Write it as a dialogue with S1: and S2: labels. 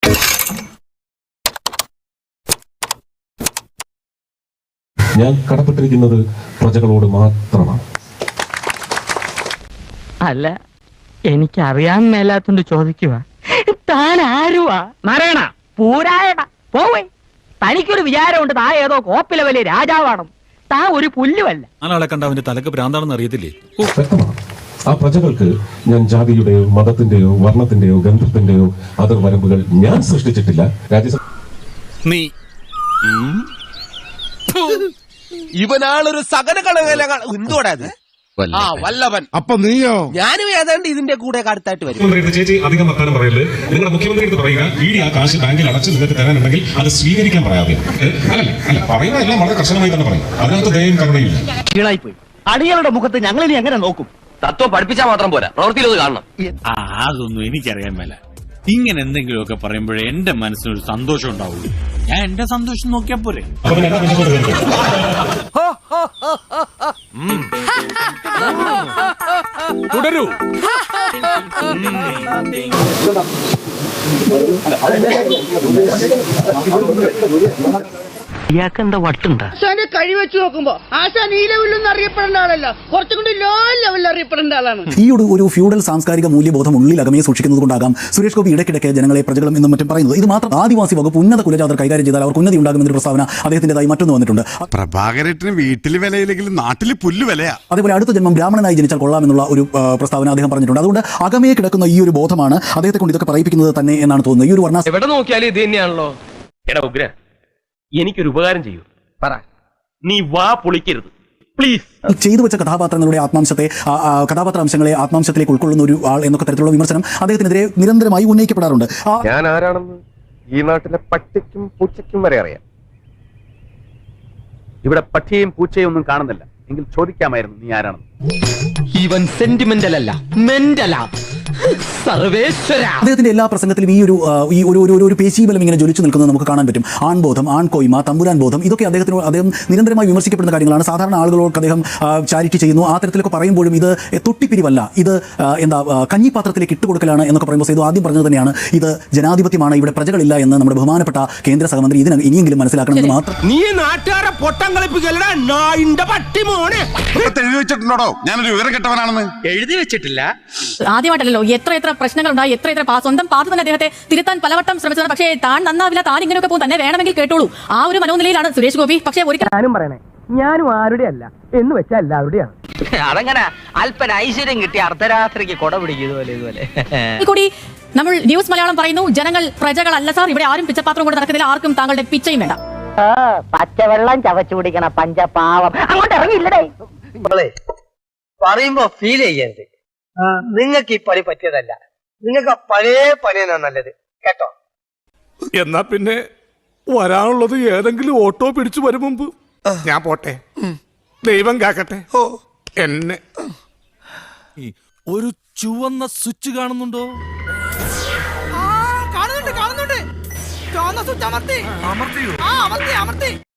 S1: ഞാൻ കടപ്പെട്ടിരിക്കുന്നത് പ്രജകളോട് മാത്രമാണ്.
S2: അല്ല, എനിക്കറിയാൻ മേലാത്തോണ്ട് ചോദിക്കുക, താൻ ആരുവാ? നാരായണ പൂരായണ പോവേ. തനിക്കൊരു വിചാരമുണ്ട് താ ഏതോ കോപ്പിലെ വലിയ രാജാവാണ്. താ ഒരു പുല്ലുമല്ല.
S3: ആളെ കണ്ട അവന്റെ തലക്ക് ഭ്രാന്താണെന്ന് അറിയത്തില്ലേ?
S1: വ്യക്തമാണ്. ആ പ്രജകൾക്ക് ഞാൻ ജാതിയുടെയോ മതത്തിന്റെയോ വർണ്ണത്തിന്റെയോ ഗന്ധത്തിന്റെയോ അതിർവരമ്പുകൾ ഞാൻ സൃഷ്ടിച്ചിട്ടില്ല. രാജ്യസഭ
S3: നീ
S4: ഇവനാളൊരു സകലകളോടാ വല്ലഭൻ.
S5: അപ്പൊ നീയോ?
S4: ഞാനും ഏതാണ്ട് ഇതിന്റെ കൂടെ അടുത്തായിട്ട് വരും.
S1: ചേച്ചി അധികം വർത്താനം പറയരുത്. നിങ്ങളുടെ മുഖ്യമന്ത്രി പറയുക, ഇടി ആ കാശ് ബാങ്കിൽ അടച്ച് നിങ്ങൾക്ക് തരാനുണ്ടെങ്കിൽ അത് സ്വീകരിക്കാൻ പറയാതെ. അല്ല പറയുന്ന എല്ലാം വളരെ കർശനമായി തന്നെ പറയും. അതിനകത്ത് ദയയും കരുണയില്ല.
S2: കീഴായിപ്പോയി. അടികളുടെ മുഖത്ത് ഞങ്ങളിനി എങ്ങനെ നോക്കും?
S6: തത്വം പഠിപ്പിച്ചാൽ മാത്രം പോരാ, പ്രവൃത്തിയിലത് കാണണം.
S3: അതൊന്നും എനിക്കറിയാൻ മേല. ഇങ്ങനെ എന്തെങ്കിലുമൊക്കെ പറയുമ്പോഴേ എന്റെ മനസ്സിനൊരു സന്തോഷം ഉണ്ടാവുള്ളൂ. ഞാൻ എന്റെ സന്തോഷം നോക്കിയാ പോരെ. തുടരൂ.
S2: ഇയാൾക്കെന്താ വട്ടുണ്ടാ?
S7: ആശാന്റെ കഴി വെച്ച് നോക്കുമ്പോ ആശാൻ ഈ ലെവലിലൊന്നും അറിയപ്പെടേണ്ട ആളല്ല, കുറച്ചും കൂടി ലോ ലെവലിൽ അറിയപ്പെടേണ്ട ആളാണ്.
S8: ഈ ഒരു ഫ്യൂഡൽ സാംസ്കാരിക മൂല്യബോധം ഉള്ളിൽ അകമയെ സൂക്ഷിക്കുന്നത് കൊണ്ടാകാം സുരേഷ് ഗോപി ഇടയ്ക്കിടയ്ക്ക് ജനങ്ങളെ പ്രജകളും എന്നും മറ്റും പറയുന്നത്. ഇത് മാത്രം ആദിവാസി വകുപ്പ് ഉന്നത കുലജാതർ കൈകാര്യം ചെയ്താൽ അവർക്ക് ഉന്നതി ഉണ്ടാകുമെന്നൊരു പ്രസ്താവന അദ്ദേഹത്തിന്റേതായി മറ്റൊന്ന് വന്നിട്ടുണ്ട്.
S5: പ്രഭാകരേട്ടന് വീട്ടിൽ വിലയില്ലെങ്കിലും നാട്ടിൽ പുല്ല് വിലയാ.
S8: അതേപോലെ അടുത്ത ജന്മം ബ്രാഹ്മണനായി ജനിച്ചാൽ കൊള്ളാമെന്നുള്ള ഒരു പ്രസ്താവന അദ്ദേഹം പറഞ്ഞിട്ടുണ്ട്. അതുകൊണ്ട് അകമയെ കിടക്കുന്ന ഈ ഒരു ബോധമാണ് അദ്ദേഹത്തെ കൊണ്ട് ഇതൊക്കെ പറയിപ്പിക്കുന്നത് തന്നെ എന്നാണ് തോന്നുന്നത്. ഈ ഒരു വർണ്ണ
S6: എവിടെ നോക്കിയാലും ഇത് തന്നെയാണല്ലോ. എടാ ഉഗ്ര, എനിക്കൊരു ഉപകാരം ചെയ്യൂ. പറ, നീ വാ പൊളിക്കരുത് പ്ലീസ്.
S8: ചെയ്തു വെച്ച കഥാപാത്രങ്ങളുടെ ആത്മാംശത്തെ കഥാപാത്ര അംശങ്ങളെ ആത്മാംശത്തിലേക്ക് ഉൾക്കൊള്ളുന്ന ഒരു ആൾ എന്നൊക്കെ തരത്തിലുള്ള വിമർശനം അദ്ദേഹത്തിനെതിരെ നിരന്തരമായി ഉന്നയിക്കപ്പെടാറുണ്ട്.
S6: ഞാൻ ആരാണെന്ന് ഈ നാട്ടിലെ പട്ടിക്കും പൂച്ചയ്ക്കും വരെ അറിയാം. ഇവിടെ പട്ടിയെയും പൂച്ചയും ഒന്നും കാണുന്നില്ല. എങ്കിൽ ചോദിക്കാമായിരുന്നു നീ ആരാണെന്ന്.
S2: ഇവൻ സെന്റിമെന്റൽ അല്ല, മെന്റലാ. സർവേശ്വര
S8: അദ്ദേഹത്തിന്റെ എല്ലാ പ്രസംഗത്തിലും ഈ ഒരു പേശീബലം ഇങ്ങനെ ജ്വലിച്ചു നിൽക്കുന്നത് നമുക്ക് കാണാൻ പറ്റും. ആൺബോധം, ആൺകോയ്മ, തമ്പുരാൻ ബോധം, ഇതൊക്കെ അദ്ദേഹം നിരന്തരമായി വിമർശിക്കപ്പെടുന്ന കാര്യങ്ങളാണ്. സാധാരണ ആളുകളോട് അദ്ദേഹം ചാരിറ്റി ചെയ്യുന്നു. ആ തരത്തിലൊക്കെ പറയുമ്പോഴും ഇത് തൊട്ടിപ്പിരിവല്ല, ഇത് കഞ്ഞിപ്പാത്രത്തിലേക്ക് ഇട്ടുകൊടുക്കലാണ് എന്നൊക്കെ പറയുമ്പോൾ ഇത് ആദ്യം പറഞ്ഞത് തന്നെയാണ്. ഇത് ജനാധിപത്യമാണ്, ഇവിടെ പ്രജകളില്ല എന്ന് നമ്മുടെ ബഹുമാനപ്പെട്ട കേന്ദ്ര സഹമന്ത്രി ഇതിന് ഇനിയെങ്കിലും മനസ്സിലാക്കണമെന്ന് മാത്രം.
S4: നീ നാട്ടുകാരെ പൊട്ടം കളിപ്പിക്കലടാ നായിന്റെ പട്ടി മോനെ.
S5: എഴുതി വെച്ചിട്ടുണ്ടോ ഞാനൊരു വിവരം കെട്ടവനാണെന്ന്?
S4: എഴുതി വെച്ചിട്ടില്ല.
S7: ആദ്യമായിട്ടല്ലോ എത്ര പ്രശ്നങ്ങൾ ഉണ്ടായി, എത്ര സ്വന്തം പാത്തു തന്നെ അദ്ദേഹത്തെ തിരുത്താൻ പലവട്ടം ശ്രമിച്ചതാണ്. പക്ഷേ താൻ നന്നാവില്ല, താൻ ഇങ്ങനെയൊക്കെ പോകും, തന്നെ വേണമെങ്കിൽ കേട്ടോളൂ. ആ ഒരു മനോനിലയിലാണ് സുരേഷ് ഗോപി. പക്ഷേ ഞാനും പറയണേ, ഞാനും ആരുടെ അല്ല എന്ന് വെച്ചാൽ എല്ലാവരുടെയാണ്.
S2: അതങ്ങനെ അല്പന ഐശ്വര്യം കിട്ടി അർദ്ധരാത്രിക്ക് കൊട പിടിക്കും ഇതുപോലെ.
S7: കൂടി നമ്മൾ ന്യൂസ് മലയാളം പറയുന്നു, ജനങ്ങൾ പ്രജകളല്ല സാർ, ഇവിടെ ആരും പിച്ചപാത്രം കൊണ്ട് നടക്കുന്നില്ല, ആർക്കും താങ്കളുടെ പിച്ചയും വേണ്ട.
S2: പച്ചവെള്ളം ചവച്ചു കുടിക്കണ പഞ്ചപാവം അങ്ങോട്ട് ഇറങ്ങിയില്ലടേ.
S6: പറയുമ്പോ ഫീൽ ചെയ്യരുത്. നിങ്ങൾക്ക് ഈ പണി പറ്റിയതല്ല. നിങ്ങൾക്ക് പഴയ പണിയാണ് നല്ലത് കേട്ടോ.
S5: എന്നാ പിന്നെ വരാനുള്ളത് ഏതെങ്കിലും ഓട്ടോ പിടിച്ചു വരും മുമ്പ് ഞാൻ പോട്ടെ. ദൈവം കാക്കട്ടെ എന്നെ.
S3: ഒരു ചുവന്ന സ്വിച്ച് കാണുന്നുണ്ടോ?
S7: കാണുന്നുണ്ട്. ചുവന്ന സ്വിച്ച് അമർത്തി.